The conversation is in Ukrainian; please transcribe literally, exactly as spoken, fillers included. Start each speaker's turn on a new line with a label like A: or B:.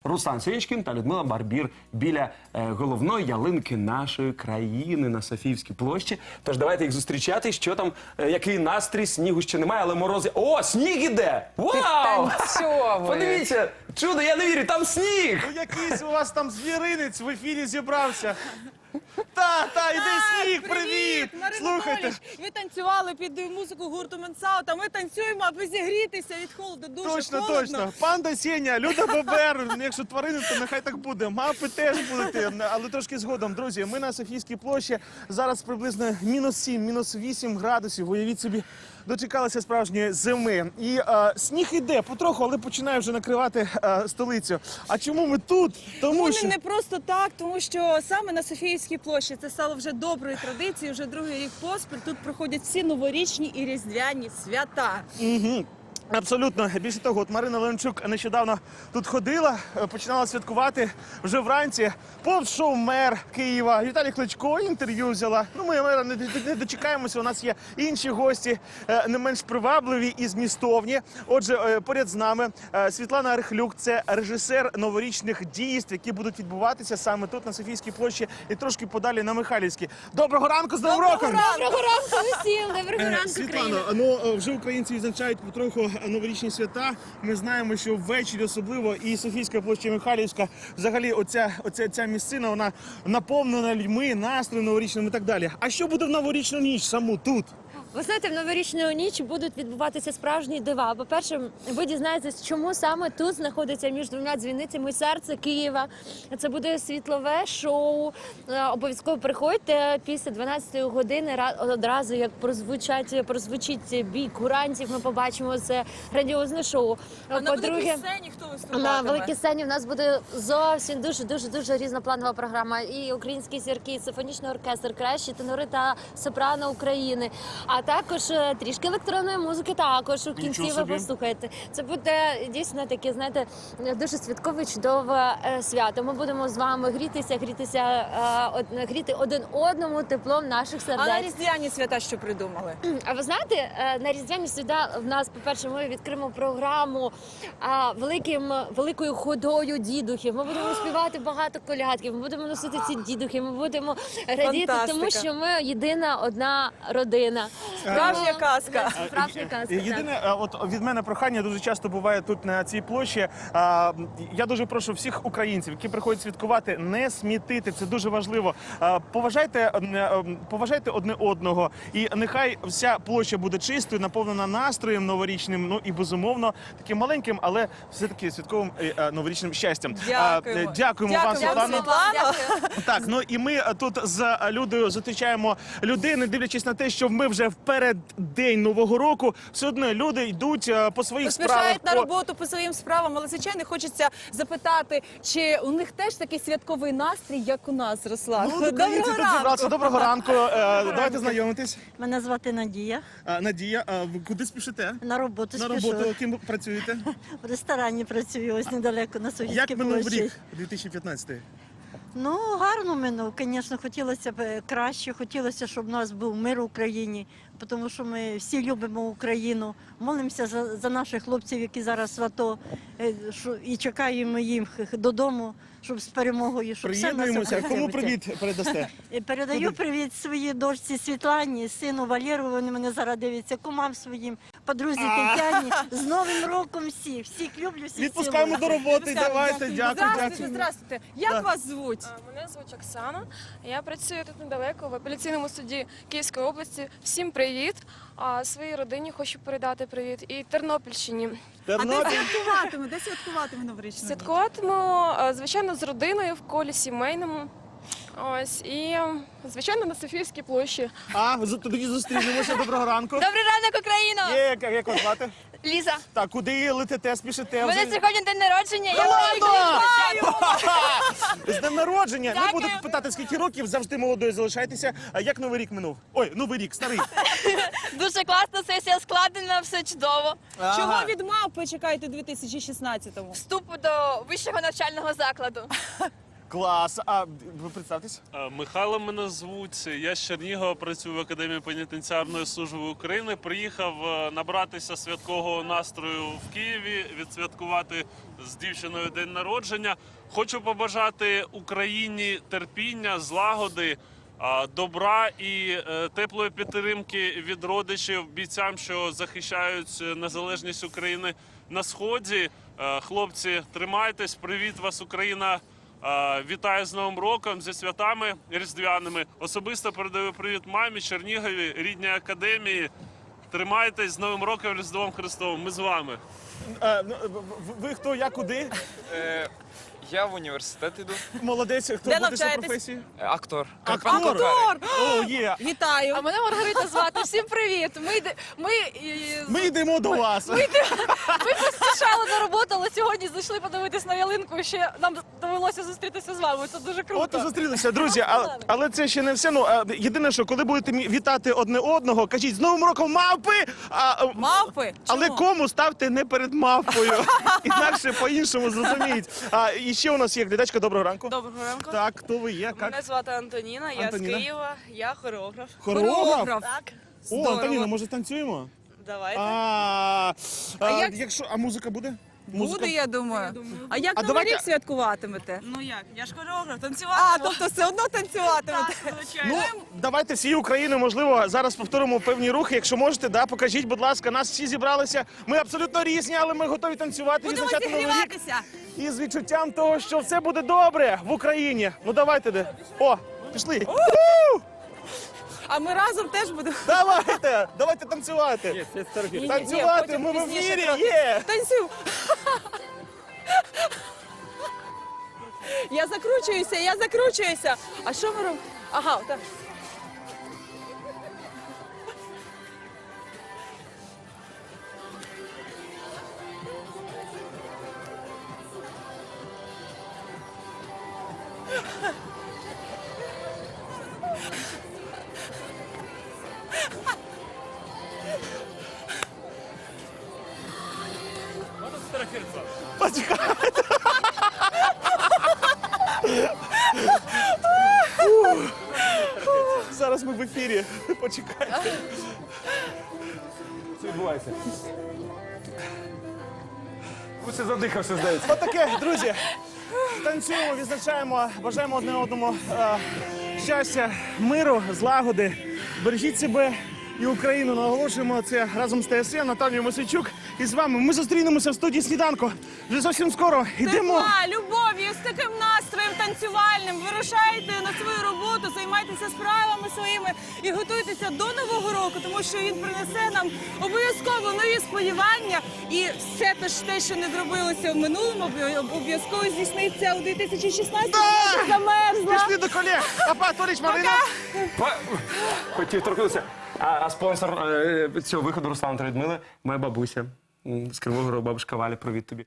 A: Руслан Сєнічкін та Людмила Барбір біля е, головної ялинки нашої країни на Софіївській площі. Тож давайте їх зустрічати. Що там, е, який настрій, снігу ще немає, але морози... О, сніг іде! Вау! Подивіться, чудо, я не вірю, там сніг!
B: Ну якийсь у вас там звіринець в ефірі зібрався. Та, та, іди сніг, привіт!
C: Марина
B: Слухайте.
C: Поліч, ви танцювали під музику гурту Менсаут, а ми танцюємо, аби зігрітися від холоду. Дуже
B: Точно,
C: холодно.
B: точно. Панда Сеня, Люда Бобер, якщо тварини, то нехай так буде. Мапи теж будуть, але трошки згодом. Друзі, ми на Софійській площі, зараз приблизно мінус сім, мінус вісім градусів, уявіть собі. Дочекалися справжньої зими. І е, сніг іде потроху, але починає вже накривати е, столицю. А чому ми тут? Тому
C: Вони
B: що...
C: не просто так, тому що саме на Софіївській площі це стало вже доброю традицією, вже другий рік поспіль. Тут проходять всі новорічні і різдвяні свята.
B: Угу. Абсолютно. Більше того, от Марина Леончук нещодавно тут ходила, починала святкувати вже вранці. Повз шов мер Києва. Віталій Кличко інтерв'ю взяла. Ну, ми мера не, не дочекаємося, у нас є інші гості, не менш привабливі і змістовні. Отже, поряд з нами Світлана Рихлюк, це режисер новорічних дійств, які будуть відбуватися саме тут, на Софійській площі, і трошки подалі на Михайлівській. Доброго ранку, з Новим роком!
C: Доброго ранку усім! Доброго ранку,
B: Світлано, ну вже українці відзначають потроху новорічні свята. Ми знаємо, що ввечері особливо і Софійська площа, і Михайлівська, взагалі оця, оця ця місцина, вона наповнена людьми, настроєм новорічним і так далі. А що буде в новорічну ніч саму тут?
D: Ви знаєте, в новорічну ніч будуть відбуватися справжні дива. По-перше, ви дізнаєтесь, чому саме тут знаходиться між двома дзвіницями серце Києва. Це буде світлове шоу. Обов'язково приходьте після дванадцятої години, одразу як прозвучать, прозвучить бій курантів, ми побачимо це грандіозне шоу.
C: А на великій сцені хто виступатиме?
D: На великій сцені в нас буде зовсім дуже-дуже-дуже різнопланова програма. І українські зірки, і симфонічний оркестр, кращі тенори та сопрано України. А також трішки електронної музики також у кінці ви послухаєте. Це буде дійсно таке, знаєте, дуже святкове, чудове свято. Ми будемо з вами грітися, грітися, гріти один одному теплом наших сердець.
C: А на різдвяні свята що придумали?
D: А ви знаєте, на різдвяні свята в нас, по-перше, ми відкриємо програму великим, великою ходою дідухів. Ми будемо співати багато колядків, ми будемо носити ці дідухи, ми будемо радіти,
C: Фантастика.
D: тому що ми єдина одна родина.
C: Справжня казка.
D: Справжня казка.
B: Єдине, от від мене прохання дуже часто буває тут на цій площі. А, я дуже прошу всіх українців, які приходять святкувати, не смітити. Це дуже важливо. А, поважайте, поважайте одне одного. І нехай вся площа буде чистою, наповнена настроєм новорічним, ну і безумовно таким маленьким, але все-таки святковим е, новорічним щастям.
C: Дякуємо.
B: А, дякуємо вам, Світлано.
C: Світлано.
B: Так, ну і ми тут з Людою зустрічаємо людей, не дивлячись на те, що ми вже в переддень Нового року, все одно люди йдуть по своїх справах.
C: Поспішають на роботу по своїм справам, але, звичайно, хочеться запитати, чи у них теж такий святковий настрій, як у нас, Руслан?
B: Ну, українці тут зібралися. Доброго ранку. Е, Давайте знайомитись.
E: Мене звати Надія.
B: Е, Надія, а ви куди спішите?
E: На роботу
B: На
E: спішу.
B: роботу, ким ви працюєте?
E: В ресторані працюю, ось недалеко на Софійській
B: Як минув
E: площі.
B: рік дві тисячі п'ятнадцятий?
E: Ну, гарно минув. Звісно, хотілося б краще, хотілося, щоб у нас був мир в Україні, тому що ми всі любимо Україну, молимося за, за наших хлопців, які зараз в АТО, е, що- і чекаємо їх додому, щоб з перемогою, щоб все в нас
B: Приєднуємося. Кому
E: обходилося.
B: привіт передасте?
E: І передаю привіт своїй дочці Світлані, сину Валеру, вони мене зараз дивляться, кумам своїм, подрузі Тетяні. З Новим роком всіх, всіх люблю, всіх
B: Відпускаємо
E: цілую.
B: до роботи, давайте, дякую,
C: Здравствуйте,
B: дякую.
C: здравствуйте. Як
B: Так.
C: вас звуть?
F: А, Мене звуть Оксана. Я працюю тут недалеко в апеляційному суді Київської області. Всім привіт. А своїй родині хочу передати привіт. І Тернопільщині.
C: А де
B: Тернопіль.
C: святкуватиме? Де святкуватиме новорічну ніч?
F: Святкуватиму, а, звичайно, з родиною в колі сімейному. Ось і, звичайно, на Софіївській площі.
B: А, з- тоді зустрінемося. Доброго ранку.
G: Добрий ранок, Україно!
B: Є, як, як вас звати?
G: Ліза,
B: Так, куди летите, спішите?
G: у мене
B: Вже-
G: сьогодні день народження, я
B: Ладно!
G: хочу
B: З днем народження! Не
G: Дякую.
B: буду питати, скільки років, завжди молодою залишайтеся. А як новий рік минув? Ой, новий рік, старий.
G: дуже класно, сесія складена, все чудово.
C: Чого від мавпи чекаєте у дві тисячі шістнадцятому?
G: Вступ до вищого навчального закладу.
B: Клас. А ви представтесь?
H: Е, Михайло мене звуть. Я з Чернігова, працюю в Академії пенітенціарної служби України. Приїхав е, набратися святкового настрою в Києві, відсвяткувати з дівчиною день народження. Хочу побажати Україні терпіння, злагоди, е, добра і е, теплої підтримки від родичів бійцям, що захищають незалежність України на Сході. Е, Хлопці, тримайтесь, привіт вас, Україна! Е, Вітаю з Новим роком, зі святами різдвяними. Особисто передаю привіт мамі, Чернігові, рідній академії. Тримайтесь з Новим роком, Різдвом Христовим. Ми з вами.
B: Е, ну, в- ви хто, я куди?
I: Е, я в університет іду.
B: Молодець, хто
C: Де
B: буде за
C: навчаєтесь?
B: професією?
I: Е, Актор.
B: Актор?
C: Актор!
B: О, є.
C: Вітаю!
G: А мене Маргарита звати. Всім привіт. Ми йде- ми, і-
B: Ми йдемо до вас.
G: ми поспішали на роботу, але сьогодні зайшли подивитись на ялинку. І ще нам довелося зустрітися з вами. Це дуже круто.
B: От і зустрілися, друзі. А, але це ще не все. Ну а, єдине, що коли будете мі- вітати одне одного, кажіть з Новим роком мавпи! А, а,
C: Мавпи!
B: але
C: Чому?
B: кому ставте не перед мавпою? Інакше по-іншому зрозуміють. А і ще у нас є глядачка. Доброго ранку.
J: Доброго ранку.
B: Так, хто ви є?
J: Мене
B: Як?
J: звати Антоніна, я
B: Антоніна.
J: з Києва, я хореограф.
B: Хореограф?
J: Так,
B: О,
J: здорово.
B: Антоніна, може танцюємо?
J: Давайте.
B: А, а,
C: як-
B: якщо а музика буде? Музика?
C: Буде, я думаю. А як
B: А
C: Новий
B: давайте-
C: рік святкуватимете?
J: Ну як, я ж хореограф, танцювати.
C: А, тобто все одно танцюватимете?
J: Так, звичайно.
B: Ну, давайте всі України, можливо, зараз повторимо певні рухи. Якщо можете, да, покажіть, будь ласка, нас всі зібралися. Ми абсолютно різні, але ми готові танцювати,
C: Будемо
B: відзначати Новий рік.
C: зігріватися.
B: І з відчуттям того, що все буде добре в Україні. Ну давайте де. О, пішли.
C: А ми разом теж будемо.
B: Давайте, давайте танцювати.
C: Ні, ні,
B: Танцювати,
C: потім
B: ми в
C: пізніше
B: ефірі,
C: трохи.
B: є.
C: Танцюємо. Я закручуюся, я закручуюся. А що ми робимо? Ага, так.
B: Почекайте. Зараз ми в ефірі. Почекайте.
A: Що відбувається? Усе задихався, здається.
B: Отаке, друзі. Танцюємо, відзначаємо, бажаємо одне одному е, щастя, миру, злагоди. Бережіть себе і Україну. Наголошуємо це разом з ТСН, Наталією Мосійчук. І з вами ми зустрінемося в студії «Сніданку». Вже зовсім скоро. Йдемо.
C: Тепла, любов'ю, з таким настроєм танцювальним. Вирушайте на свою роботу, займайтеся справами своїми і готуйтеся до Нового року, тому що він принесе нам обов'язково нові сподівання. І все те, що не зробилося в минулому, обов'язково здійсниться у дві тисячі шістнадцятому.
B: Так!
C: Я замерзла.
B: Пішли до колег. Апа, Торіч, Марина.
A: Па- Хотів торкнутися. А, а спонсор е, цього виходу Руслан та Людмила, моя бабуся. М, З Кривого Рогу, бабушка Валя, привіт тобі.